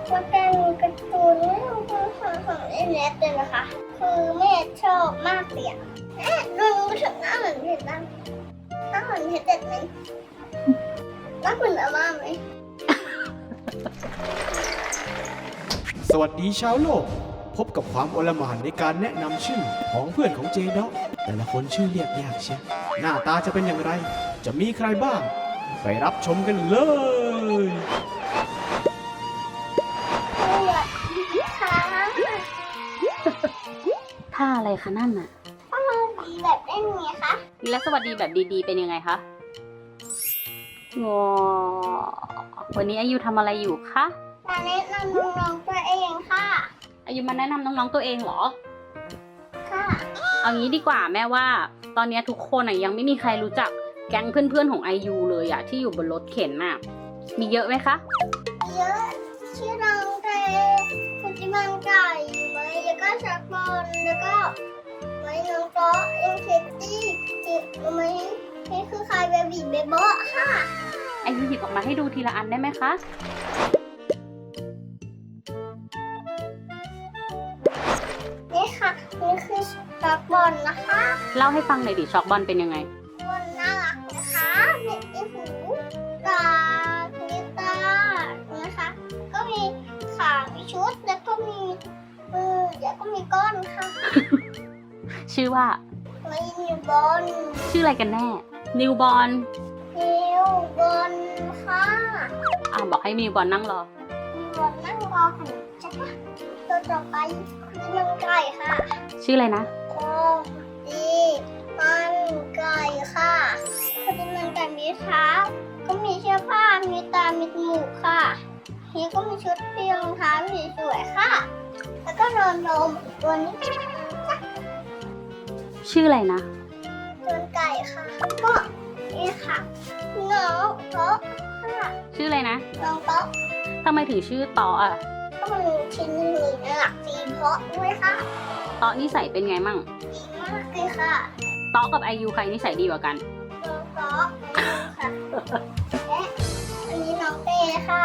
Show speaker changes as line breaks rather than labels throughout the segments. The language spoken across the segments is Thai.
ว่าเป็นการ์ตูนเรื่องของเอเนสเลยนะคะคือแม่ชอบมากเลยอะแม่ดูถึงหน้าเหมือนเพชรบ้างหน้าเหมือนเพชรเด็ดไหมหน้าเหมือนอาม่าไหม
สวัสดีชาวโลก พบกับความโอลหม่านในการแนะนำชื่อของเพื่อนของเจด็อกแต่ละคนชื่อเรียกยากเชียวหน้าตาจะเป็นอย่างไร จะมีใครบ้าง ไปรับชมกันเลย
ค่ะ
ท่าอะไรคะนั่นน่ะ
ต้องลองดีแบบได้ไงคะ
และสวัสดีแบบดีๆเป็นยังไงคะงอวันนี้อายุทำอะไรอยู่คะ
มาแนะนำน้องๆตัวเองค่ะ
อายุมาแนะนำน้องๆตัวเองเหรอ
ค่ะ
เอางี้ดีกว่าแม่ว่า ตอนนี้ทุกคนยังไม่มีใครรู้จักแก๊งเพื่อนๆของอายุเลยอะที่อยู่บนรถเข็นน่ะ มีเยอะไหมคะ
เยอะชื่อน้องเตคุณจิมันไก่ไหมแล้วก็ชักบอลแล้วก็ไหมน้องโต๊ะเอ็มเคตี้ไหมนี่คือใครเบบีเบโบะค่ะ
อายุหยิบออกมาให้ดูทีละอันได้ไหมคะ
นี่ค่ะนี่คือชักบอลนะคะ
เล่าให้ฟังหน่อยดิช็อกบอลเป็นยังไง
บอลน่ารักนะคะมีหูตามีตานะคะ ก็มีขามีชุดแล้วก็มีมือแล้วก็มีก้อนค่ะ
ชื่อว่า
ไม่มีบอล
ชื่ออะไรกันแน่ นิวบอล
นิวบอลค่ะ
บอกให้นิวบอลนั่งรอ
นิวบอลนั่งรอขนมจ้ะตัวต่อไปคือมันไก่ค่ะ
ชื่ออะไรนะ
โอ้ดีมันไก่ค่ะคือมันไก่มีเท้าก็มีเสื้อผ้ามีตามีจมูกค่ะนี่ก็มีชุดเพียงรองเท้าสีสวยค่ะ แล้วก็นอนนมตัวนี้
ชื่ออะไรนะ
ตัวไก่ค่ะ ก็นี่ค่ะน้องโต๊ะค่ะ
ชื่ออะไรนะ
น้องโต๊ะ
ทำไมถึงชื่อตออ่ะ
ก็มันชิ้นหนึ่งน่ารักดีเพราะด้วยค่ะ
ตอนิสัยเป็นไงมั่ง
ดีมากเลยค่ะ
ตอกับอายุใครนิสัยดีกว่ากัน
น้องโต๊ะค่ะและอันนี้น้องเต้ค่ะ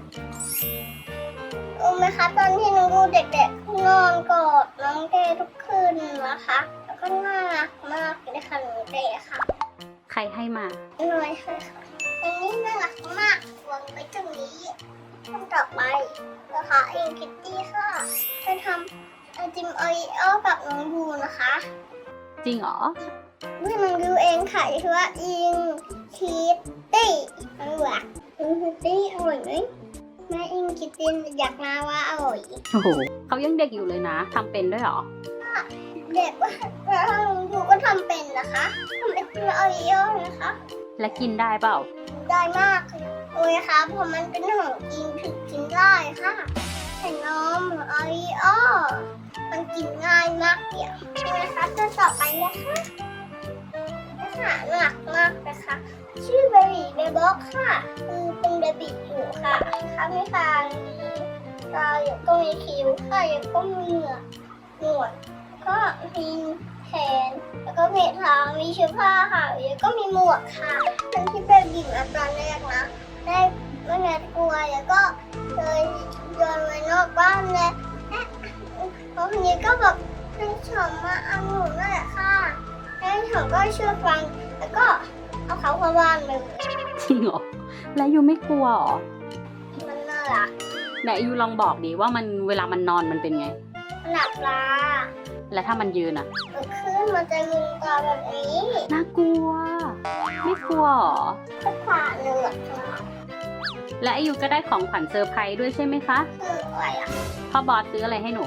รู้ไหมคะตอนที่น้องดูเด็กๆนอนกอดน้องเต้ทุกคืนนะคะ แล้วก็น่ารักมากเลยค่ะน้องเต้ค่ะ
ใครให้มา
น้อยค่ะอันนี้น่ารักมากวางไว้ตรงนี้ทำต่อไปนะคะเองคิตตี้ค่ะจะทำไอติมโอริโอกับน้องบูนะคะ
จริงเหรอ
นี่น้องดูเองค่ะชื่อว่าอิงคิตตี้อร่อยอิงคิตตี้อร่อยไหมแม่อิงคิตตี้อยากมาว่าอร่อย
โอ้โหเขายังเด็กอยู่เลยนะทำเป็นด้วยเหรอ
เด็กว่าแล้วน้องบูก็ทำเป็นนะคะทำไอติมโอริโอนะคะ
และกินได้เปล่า
ได้มากเลยค่ะเพราะมันเป็นของกินถึงกินได้ค่ะแต่นมโอริโอมันกินง่ายมากเดียวนะคะตัวต่อไปนะคะนะคะหนักมากนะคะชื่อเบบีเบบ็อกค่ะคือเป็นเบบีอยู่ค่ะค่ะมีตามีตาแล้วก็มีคิ้วค่ะแล้วก็มีเหงือกหนวดก็มีแขนแล้วก็มีเท้ามีเสื้อผ้าค่ะแล้วก็มีหมวกค่ะเป็นที่เบบีมาตอนแรกนะได้ไม่แน่กลัวแล้วก็เลยโยนไว้นอกบ้านเลยแล้วทีนี้ก็แบบให้ฉอมมาเอาหนูนั่นแหละค่ะให้ฉอมก็เชื่อฟังแล้วก็เอาเขาเข้าบ้านเลย
จริงเหรอ และอายูไม่กลัวเหรอ
มันน่ารัก
ไหนอายูลองบอกดิว่ามันเวลามันนอนมันเป็นไง
หลับตา
และถ้ามันยืนอะ
ลุกขึ้นมันจะลืมตาแบบนี้
น่ากลัว ไม่กลัวเหรอ
ก็ผ่าเหนือกค่ะ
และอายุก็ได้ของขวัญเซอร์ไพรส์ด้วยใช่ไหมคะ
คืออะไรอ่ะ
พ่อบอสซื้ออะไรให้หนู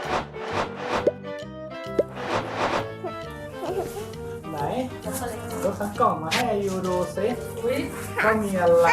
ไหนยกทั้งกล่องมาให้อายุดูซิว่ามีอะไร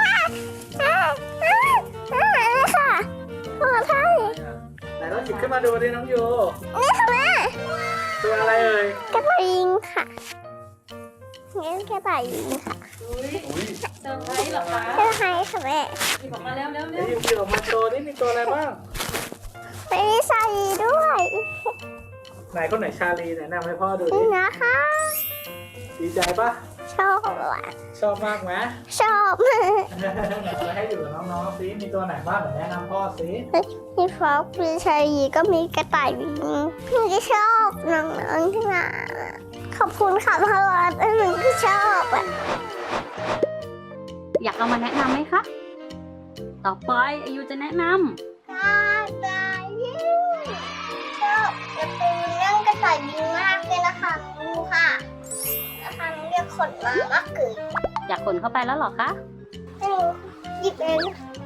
ค่ะขอท่าน
ไหนเราหยิบขึ้นมาดูดิน้องยู
นี่ค่ะแม่
ตัวอะไรเอ่ย
กระต่ายยิงค่ะงั้นกระต่ายยิงค่ะ
อุ้ย
เซอร์ไพรส์เหรอคะ
เชื่อใครค่ะแม่
หยิบออกมาเร็วเร็ว
เดี๋ยวหยิบออกมาโชว์นี่มีตัวอะไรบ้าง
ไม่มีชาลีด้วย
ไหนคนไหนชาลีไหนนำให้พ่อดูดิ
นี่นะคะ
ดีใจปะ
ชอบอ่ะ
ชอบมากไหม
ชอบมาก
ไหนจะให้อยู่กับน้องๆซิมีตัวไหนบ้างเดี๋ยวแนะนำพ่อซิ
มีฟอกมีชายยีก็มีกระต่ายบินหนูก็ชอบน้องๆที่มาขอบคุณค่ะพ่อวัดหนูก็ชอบอ่ะ
อยากเอามาแนะนำไหมคะ ต่อไปอายุจะแนะน
กระต่ายบินชอบการ์ตูนเรื่องกระต่ายบินมากเลยนะคะดูค่ะนะคะเรียกขนมามากเกิน
ำอยากขนเข้าไปแล้วเหรอคะ
ให้หนูหยิบเอง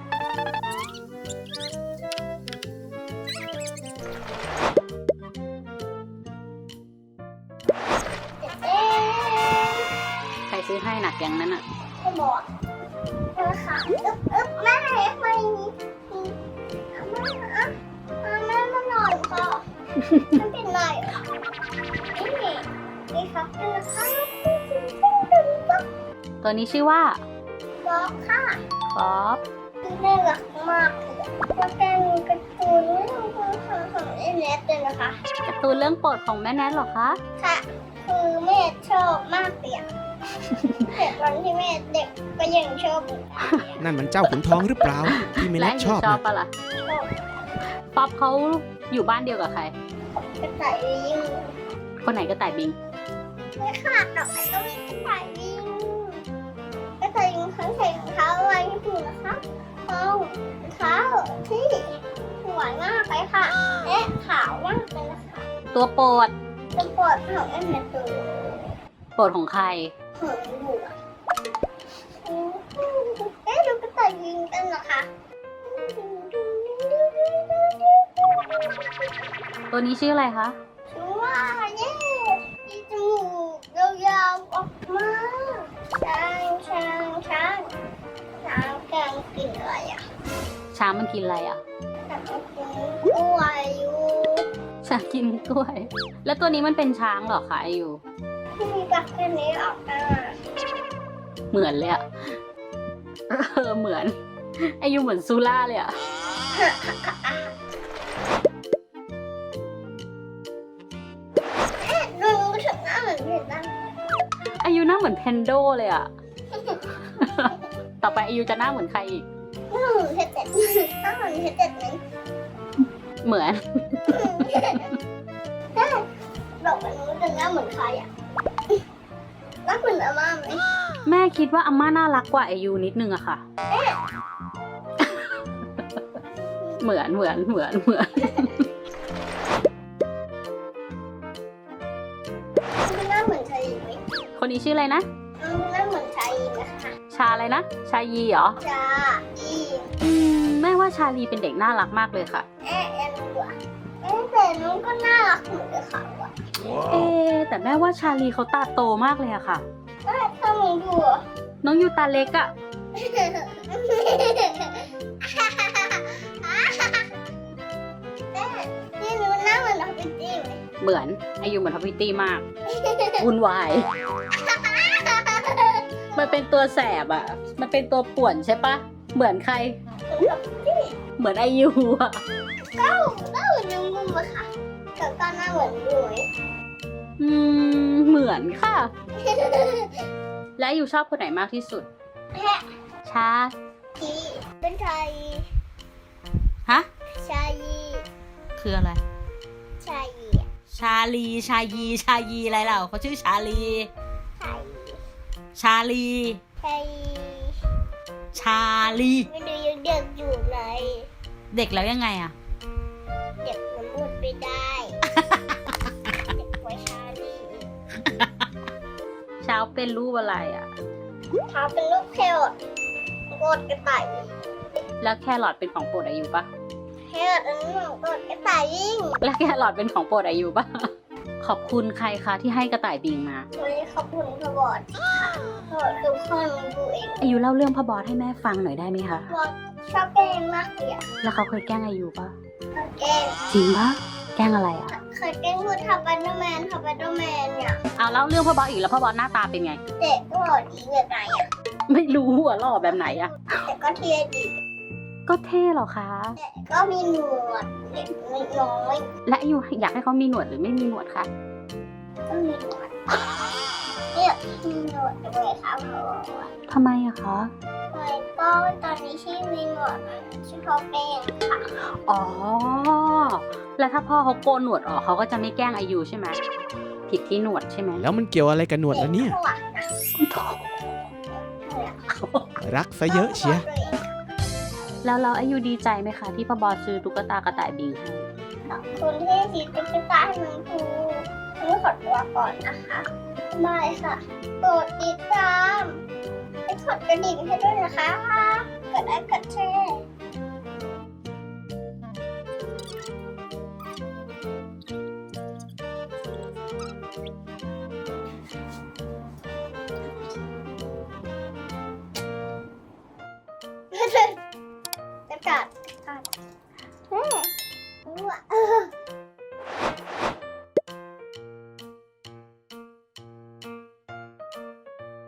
เอ๊ะ
ใครซื้อให้หนักอย่างนั้นอะ
ไม่บอกนะคะอึ๊บแม่ไม่มีแม่มาหน่อยค่ะไม่เป็นไรนี่ครับเป็นนะคะ
ตัวนี้ชื่อว่า
บอกค่ะ
ฟอบ
น่ารักมากเลยว่าเป็นการ์ตูนเรื่องของเอเนสเลยนะคะ
การ์ตูนเรื่องโปรดของแม่แนทเหรอคะ
ค่ะคือแม่ชอบมากเลยแต่ตอนที่แม่เด็กก็ยังชอบอยู่
นั่นมันเจ้าขุนทองหรือเปล่า ที่ไม่
และ
แน่ชอบ
ชอบ
นะ
ปะล่ะ
ชอบ
ป๊อบเขาอยู่บ้านเดียวกับใคร
กระต่ายลิง
คนไหนก็ต่ายบิง
ไม่ขาดดอกไม้ก็มีกระต่ายลิงกระต่ายลิงเขาใส่รองเท้าอะไรให้ดูนะคะเอารองเท้าที่สวยมากเลยค่ะและขาวมากเลยนะคะ
ตัวโปรด
จะปวดของเอ็มเนตู
โปรดของใคร
หงดูอ่ะเอ๊ะดูกระต่ายลิงกันเหรอคะ
ตัวนี้ชื่ออะไรคะ
ชัวร์เย้มีจมูกยาวๆออกมาช้างกำลังกินอะไรอ่ะ
ช้างมันกินอะไรอ่ะ
กำลังกินกล้วยอยู่
ช้างกินกล้วย แล้วตัวนี้มันเป็นช้างเหรอคะอายุ
ที่มีปากแค่นี้ออกมา
เหมือนเลยอะเหมือนอายุเหมือนซูล่าเลยอะ
ดูถึงหน้าเหมือนเห็นบ้าง
อายุหน้าเหมือนเพนโดเลยอะ ต่อไปอายุจะหน้าเหมือนใครอีก
หน้าเหมือนเห็ดเด็ดหน้าเหมือนเห็ดเด็ดไหม
เหมือน
ได้บอกว่าหนูจะหน้าเหมือนใครอ่ะหน้าเหมือนอาม่าไหม
แม่คิดว่าอาม่าน่ารักกว่าอายุนิดนึงอะค่ะ เหมือน
หน้าเหมือนชายหญิงไหม
คนนี้ชื่ออะไรนะ
หน้าเหมือนชายหญิงนะคะ
ชาอะไรนะ ชายีเหรอ
จ้าอี
แม่ว่าชาลีเป็นเด็กน่ารักมากเลยค่ะ
แอนดูอ่ะแต่น้องก็น่ารักเหมือนกับเขาอ่ะ
แต่แม่ว่าชาลีเขาตาโตมากเลยอะค่ะ
ถ้ามึงดู
น้องยูตาเล็กอะ
นี่หนูหน้าเหมือนน้องปิ๊ตี้ไหม
เหมือนอายุเหมือนทัพพิตตี้มาก วุ่นวาย มันเป็นตัวแสบอะมันเป็นตัวป่วนใช่ปะ เหมือนใคร เหมือนอายุอะ
ก็เหมือนน้องมุมอะค่ะแต่ก็หน้าเหมือนดูไหม
เหมือนค่ะ และอายุชอบคนไหนมากที่สุด
แพะ
ชา
ทีเป็นชาย
ฮะ
ชาย
คืออะไร
ชาย
ชาลีชายีอะไรเล่าเขาชื่อชาลี ชาลี
ชาย
ชาลี
ไม่ดูยังเด็กอยู่เลย
เด็กแล้วยังไงอะ
เด็กมันพูดไม่ได้ เด็กไว้ชาลี
เช้าเป็นรูปอะไรอะ
เท้าเป็นลูกแครอทโกดกระต่าย
แล้วแครอทเป็นของโปรดอายุปะ
แครอทอันนั้นโกดกระต่ายยิ่ง
แล้วแครอทเป็นของโปรดอายุปะ ขอบคุณใครคะที่ให้กระต่ายบิงมา
วันนี้ขอบคุณพบอดพบอดคือพ่อหนูดูเอง
อายุเล่าเรื่องพ่อบอสให้แม่ฟังหน่อยได้ไหมคะ
พบอดชอบแกล้งมากเลยอะ
แล้วเขาเคยแกล้งอายุปะ
แกล้ง
จริงปะแกล้งอะไรอะ
เคยแกล้งพูดทับบัตเตอร์แมนเนี่ย
เอาเล่าเรื่องพ่อบอสอีกแล้วพ่อบอสหน้าตาเป็นไง
เด็กก็บอกดีแบบไหนอะ
ไม่รู้หัวหล่อแบบไหนอะ
แต่ก็เท่ดี
ก็เท่เหรอคะ
แต่ก็มีหนวดเด็กน้อย
และอายุอยากให้เขามีหนวดหรือไม่มีหนวดคะ
ก็มีหนวดนี่อยากมีหนวดด้วยค่ะเพราะว่า
ทำไมอะคะ
เลยก็ตอนนี้ที่มีหนวดชื่อเขาเป็นค่ะ
อ๋อ แล้วถ้าพ่อเขาโกนหนวดออกเขาก็จะไม่แกล้งอายุใช่ไหมผิดที่หนวดใช่ไหม
แล้วมันเกี่ยวอะไรกับหนวดล่ะเนี่ย รักซะเยอะเชีย
แล้วเราอายุดีใจไหมคะที่พ่อบอสซื้อตุ๊กตากระต่ายบิงให้
ขอบคุณที่สีตุ๊กตาให้น้องภูต้องขอตัวก่อนนะคะบายค่ะกดติดตามและกดกระดิ่งให้ด้วยนะคะกดไลค์กดแชร์กระดาษแม่